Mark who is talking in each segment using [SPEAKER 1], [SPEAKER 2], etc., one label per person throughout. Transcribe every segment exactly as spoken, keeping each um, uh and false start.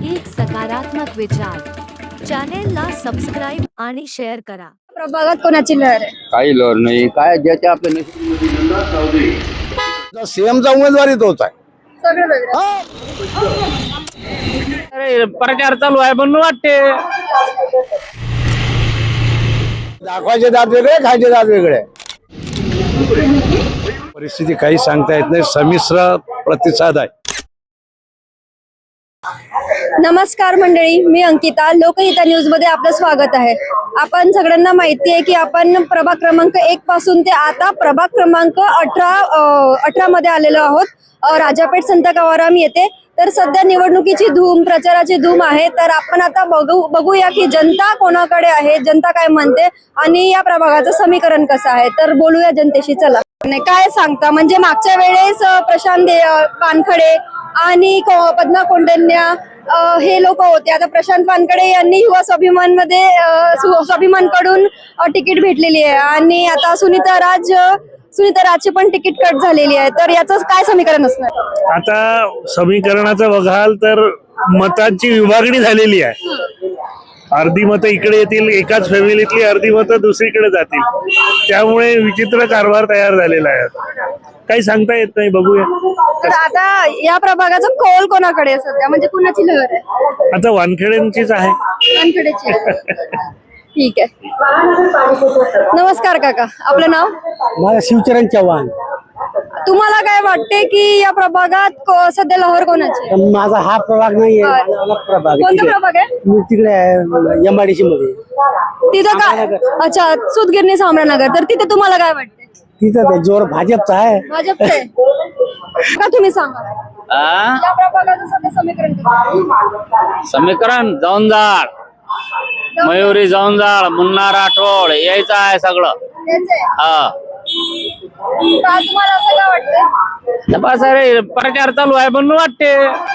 [SPEAKER 1] एक सकारात्मक विचार चॅनेलला सबस्क्राइब आणि शेअर करा।
[SPEAKER 2] प्रभागात कोणाची लहर आहे?
[SPEAKER 3] काही लहर नाही, काय ज्याचे आपले
[SPEAKER 4] सीएमचा उमेदवारी तोच आहे।
[SPEAKER 2] सगळं वेगळं.
[SPEAKER 5] अरे प्रचार चालू आहे म्हणून वाटते।
[SPEAKER 4] दाखवायचे दात वेगळे, खायचे दात वेगळे। परिस्थिती काही सांगता येत नाही, संमिश्र प्रतिसाद आहे।
[SPEAKER 2] नमस्कार मंडळी, मी अंकिता, लोकहिता न्यूज मध्ये आपलं स्वागत आहे। आपण सगळ्यांना माहिती आहे की आपण प्रभाग क्रमांक एक पासून ते आता प्रभाग क्रमांक अठरा अठरा मध्ये आलेलो आहोत, राजापेठ संत गवाराम येथे। तर सध्या निवडणुकीची धूम, प्रचाराची धूम आहे। तर आपण आता बघू बघूया की जनता कोणाकडे आहे, जनता काय म्हणते आणि या प्रभागाचं समीकरण कसं आहे। तर बोलूया जनतेशी, चला। काय सांगता, म्हणजे मागच्या वेळेस प्रशांत वानखडे आणि पद्मा कोंडन्या हे लोक होते, आता प्रशांत वानखडे यांनी युवा स्वाभिमान मध्ये स्वाभिमान कडून तिकीट भेटलेली आहे आणि आता सुनीता राज सुनीता राजची पण तिकीट कट झालेली आहे। तर याचं काय समीकरण असणार?
[SPEAKER 5] आता समीकरणाचं बघाल तर मतांची विभागणी झालेली आहे। अर्धी मतं इकडे येतील एकाच फॅमिलीतली, अर्धी मतं दुसरीकडे जातील, त्यामुळे विचित्र कारभार तयार झालेला आहे। काही सांगता येत नाही, बघूया।
[SPEAKER 2] तर आता या प्रभागाचा कौल कोणाकडे आहे सध्या, म्हणजे कुणाची लहर आहे?
[SPEAKER 5] आता वानखेडेंचीच आहे।
[SPEAKER 2] वानखेडेची आहे। ठीक आहे। नमस्कार काका, आपलं नाव?
[SPEAKER 6] मला शिवचरण चव्हाण।
[SPEAKER 2] तुम्हाला काय वाटते की या प्रभागात सध्या लहर कोणाची आहे?
[SPEAKER 6] माझा हा प्रभाग नाहीये, माझा अलग प्रभाग आहे।
[SPEAKER 2] कोणता प्रभाग आहे?
[SPEAKER 6] मी तिकडे आहे एमआयडीसी मध्ये।
[SPEAKER 2] तिथं काय? अच्छा, सुतगिरणी सामरानगर। तर तिथे तुम्हाला काय वाटते?
[SPEAKER 6] तिथं ते जोर भाजपचा आहे।
[SPEAKER 2] भाजपचे का? तुम्ही सांगा या प्रभागाचं सध्या समीकरण कसं?
[SPEAKER 3] समीकरण जौंजाळ, मयुरी जौंजाळ, मुन्ना राठोड यायचं आहे सगळं।
[SPEAKER 2] त्याचे
[SPEAKER 3] हा
[SPEAKER 2] का तुम्हाला असं काय वाटतं?
[SPEAKER 5] बस अरे प्रचार चालू आहे म्हणून वाटते।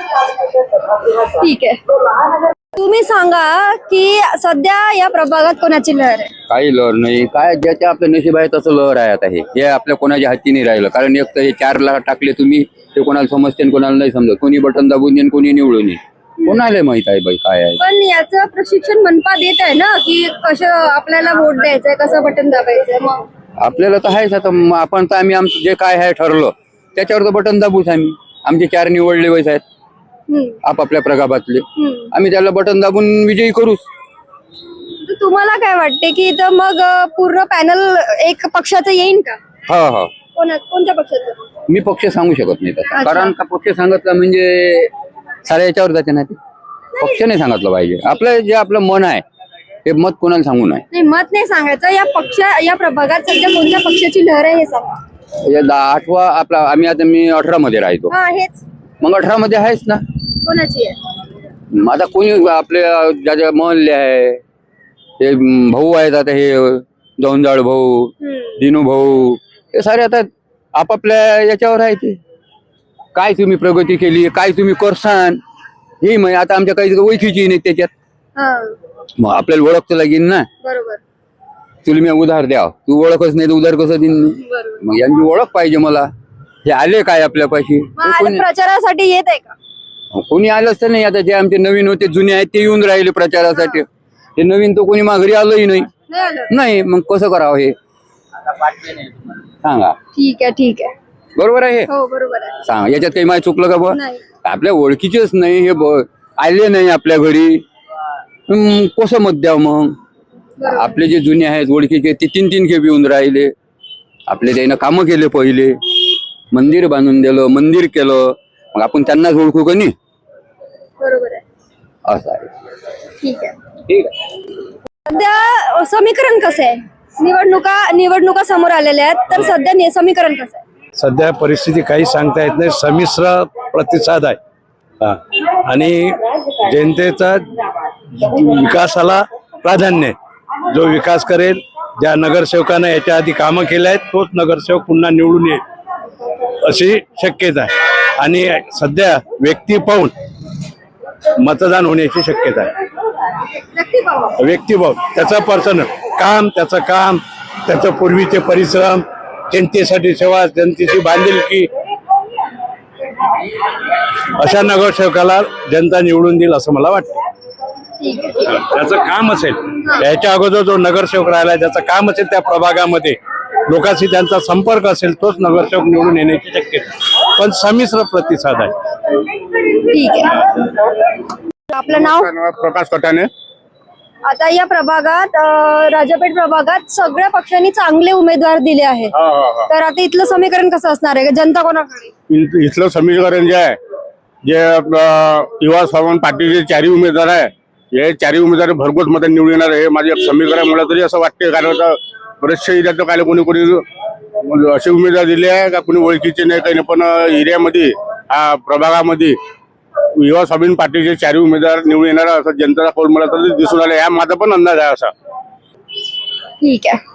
[SPEAKER 2] ठीक आहे। तुम्ही सांगा की सध्या या प्रभागात कोणाची लहर आहे?
[SPEAKER 3] काही लहर नाही, काय ज्याचे आपले नशीब आहे तसं लहर आहे। आता हे हे आपल्या कोणाच्या हाती नाही राहिलं, कारण एक तर हे चार लाख टाकले तुम्ही, ते कोणाला समजते कोणाला नाही समजत, कोणी बटन दाबून येईन कोणी निवडून येईल, कोणाला माहित आहे बाई काय आहे।
[SPEAKER 2] पण याचं प्रशिक्षण मनपा देत आहे ना की कसं आपल्याला वोट द्यायचंय, कसं बटन दाबायचंय। मग
[SPEAKER 3] आपल्याला तर आहेच, आता मग आपण तर आम्ही आमचं जे काय आहे ठरलं त्याच्यावर तर बटन दाबूच। आम्ही आमचे चार निवडले वयस आहेत आपापल्या प्रभागातले, आम्ही त्याला बटन दाबून विजयी करूच।
[SPEAKER 2] तुम्हाला काय वाटते की इथं मग पूर्ण पॅनल एक पक्षाचं येईन का?
[SPEAKER 3] हा हा
[SPEAKER 2] कोणा कोणत्या पक्षाचं?
[SPEAKER 3] मी पक्ष सांगू शकत नाही तसं, कारण का पक्ष सांगितलं म्हणजे साऱ्या याच्यावर जाते ना, ते पक्ष नाही सांगितलं पाहिजे। आपलं जे आपलं मन आहे ते मत कोणाला सांगू नये।
[SPEAKER 2] नाही, मत नाही सांगायचं। या पक्ष या प्रभागात सध्या कोणत्या पक्षाची लहर आहे हे सांगा।
[SPEAKER 3] या दहा आठवा आपला आम्ही आता मी अठरा मध्ये राहतो,
[SPEAKER 2] हा हेच
[SPEAKER 3] मग अठरा मध्ये आहेच ना।
[SPEAKER 2] कोणाची आहे?
[SPEAKER 3] आता कोणी आपले ज्याच्या महल्ले आहे ते भाऊ आहेत, आता हे जौंजाळ भाऊ, दिनू भाऊ, हे सारे आता आपापल्या याच्यावर आहे। ते काय तुम्ही प्रगती केली, काय तुम्ही करसान हे मग आता आमच्या काही ओळखीची नाही त्याच्यात, मग आपल्याला ओळख तर लागेल ना।
[SPEAKER 2] बरोबर।
[SPEAKER 3] तुला मी उधार द्या, तू ओळखच नाही तर उधार कसं देईन? मग यांची ओळख पाहिजे मला। हे आले काय आपल्यापाशी,
[SPEAKER 2] प्रचारासाठी येत आहे का?
[SPEAKER 3] कोणी आलंच तर नाही। आता जे आमचे नवीन होते, जुने आहेत ते येऊन राहिले प्रचारासाठी, ते नवीन तो कोणी माघारी आलंही नाही। नाही, मग कसं करावं हे सांगा।
[SPEAKER 2] ठीक आहे, ठीक आहे,
[SPEAKER 3] बरोबर आहे,
[SPEAKER 2] हो बरोबर आहे।
[SPEAKER 3] सांग याच्यात काही माहिती चुकलं का? बघ,
[SPEAKER 2] नाही,
[SPEAKER 3] आपल्या ओळखीचेच नाही, हे आले नाही आपल्या घरी, कसं मत द्यावं? मग आपले जे जुने आहेत ओळखीचे ते तीन तीन खेप येऊन राहिले, आपले त्यानं कामं केले, पहिले मंदिर बांधून दिलं, मंदिर केलं, मग आपण त्यांनाच ओळखू का नाही?
[SPEAKER 2] बरोबर आहे,
[SPEAKER 3] असं आहे।
[SPEAKER 2] ठीक आहे,
[SPEAKER 3] ठीक आहे।
[SPEAKER 2] सध्या समीकरण कसं आहे? निवडणुका निवडणुका समोर आलेल्या आहेत, तर सध्या समीकरण कसं आहे?
[SPEAKER 4] सध्या परिस्थिती काही सांगता येत नाही, संमिश्र प्रतिसाद आहे। हा, आणि जनतेचा विकासाला प्राधान्य आहे। जो विकास करेल, ज्या नगरसेवकाने याच्या आधी कामं केले आहेत तोच नगरसेवक पुन्हा निवडून येईल अशी शक्यता आहे। आणि सध्या व्यक्ती पाहून मतदान होण्याची शक्यता आहे। व्यक्ती पाहून, त्याचा पर्सन काम, त्याचं काम, त्याचं पूर्वीचे परिश्रम, जनतेसाठी सेवा, जनतेची बांधिलकी, अशा नगरसेवकाला जनता निवडून देईल असं मला वाटतं.
[SPEAKER 2] ठीक आहे.
[SPEAKER 4] त्याचं काम असेल, याच्या अगोदर जो नगरसेवक राहिला त्याचं काम असेल त्या प्रभागामध्ये लोकांशी त्यांचा संपर्क असेल तोच नगरसेवक निवडून येण्याची शक्यता, पण संमिश्र प्रतिसाद आहे.
[SPEAKER 2] ठीक आहे. आपलं नाव?
[SPEAKER 7] प्रकाश कटाने.
[SPEAKER 2] आता या प्रभागात अं, राजापेठ प्रभागात सगळ्या पक्षांनी चांगले उमेदवार दिले आहेत, तर आता इथलं समीकरण कसं असणार आहे? जनता कोणाकडे?
[SPEAKER 7] इ- इथलं समीकरण जे आहे, जे आपलं युवा स्वाभिमान पार्टीचे चारही उमेदवार आहे, हे चारही उमेदवार भरघोस मत निवडून येणार आहे. हे माझे समीकरण मला तरी असं वाटते, कारण आता बरेचसे एरियात काय कोणी कोणी असे उमेदवार दिले आहे का कोणी ओळखीचे नाही काही नाही, पण एरियामध्ये हा प्रभागामध्ये युवा स्वाभिमान पार्टीचे चारही उमेदवार निवडून येणार असं जनतेचा कौल मला तरी दिसून आला. या माझा पण अंदाज आहे असा.
[SPEAKER 2] ठीक आहे.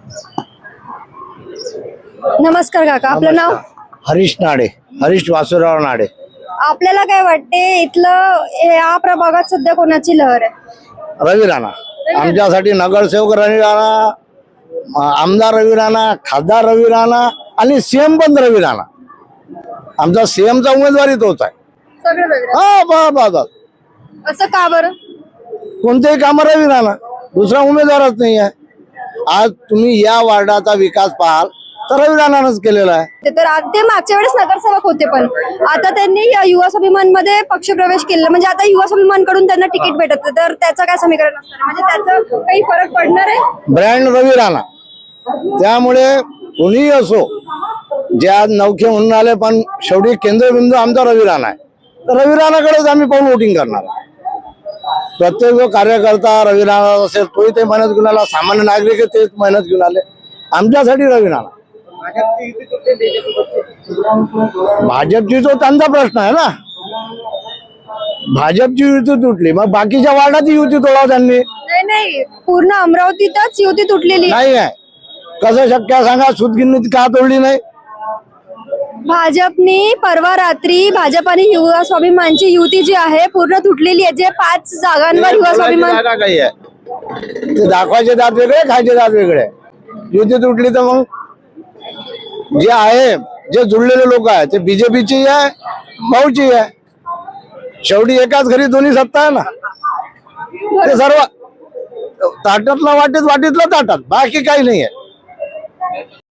[SPEAKER 2] नमस्कार काका, आपलं नाव?
[SPEAKER 8] हरीश नाडे, हरीश वासुराव नाडे.
[SPEAKER 2] आपल्याला काय वाटते इथलं या प्रभागात सध्या कोणाची लहर आहे?
[SPEAKER 8] रवी राणा आमच्यासाठी नगरसेवक रवी राणा, अं, आमदार रवी राणा, खासदार रवी राणा आणि सीएम पण रवी राणा. आमचा सीएमचा उमेदवारी तोच आहे.
[SPEAKER 2] सगळं वेगळं.
[SPEAKER 8] हा बा बा बा.
[SPEAKER 2] असं का बरं?
[SPEAKER 8] कोणतेही काम रवी राणा, दुसरा उमेदवारच नाही आहे. आज तुम्ही या वार्डाचा विकास पाहाल तर रवी राणानंच केलेला आहे.
[SPEAKER 2] ते तर आ- ते मागच्या वेळेस नगरसेवक होते, पण आता त्यांनी या युवा स्वाभिमान मध्ये पक्षप्रवेश केलेला, म्हणजे आता युवा स्वाभिमान कडून त्यांना तिकीट भेटत, तर त्याचं काय समीकरण असणार? म्हणजे त्याचं काही फरक पडणार आहे?
[SPEAKER 8] ब्रँड रवी राणा. त्यामुळे कोणीही असो, जे आज नौखे म्हणून आले, पण शेवटी केंद्रबिंदू आमचा रवी राणा आहे. तर रवी राणाकडेच आम्ही पाहून वोटिंग करणार. प्रत्येक जो कार्यकर्ता रवी राणा असेल तोही ते मेहनत घेऊन आला, सामान्य नागरिक तेच मेहनत घेऊन आले. आमच्यासाठी रवी राणा. भाजपची तो त्यांचा प्रश्न आहे ना. भाजपची युती तुटली, मग बाकीच्या वार्डाची युती तोडाव त्यांनी.
[SPEAKER 2] नाही नाही, पूर्ण अमरावतीतच युती तुटलेली आहे.
[SPEAKER 8] नाही आहे. कसं शक्य आहे सांगा? सुतगिरणी का तोडली नाही?
[SPEAKER 2] भाजपनी परवा रात्री भाजप आणि युवा स्वाभिमानची युती जी आहे पूर्ण तुटलेली आहे. जे पाच जागांवर युवा स्वाभिमान
[SPEAKER 8] जागा काही आहे, ते दाखवायचे दात वेगळे, खायचे दात वेगळे. युती तुटली तर मग जे आहे, जे जुळलेले लोक आहेत ते बीजेपीची आहे, भाऊची आहे. शेवटी एकाच घरी दोन्ही सत्ता आहे ना. ते सर्व ताटातला वाटीत, वाटीतला ताटात, बाकी काही नाही आहे.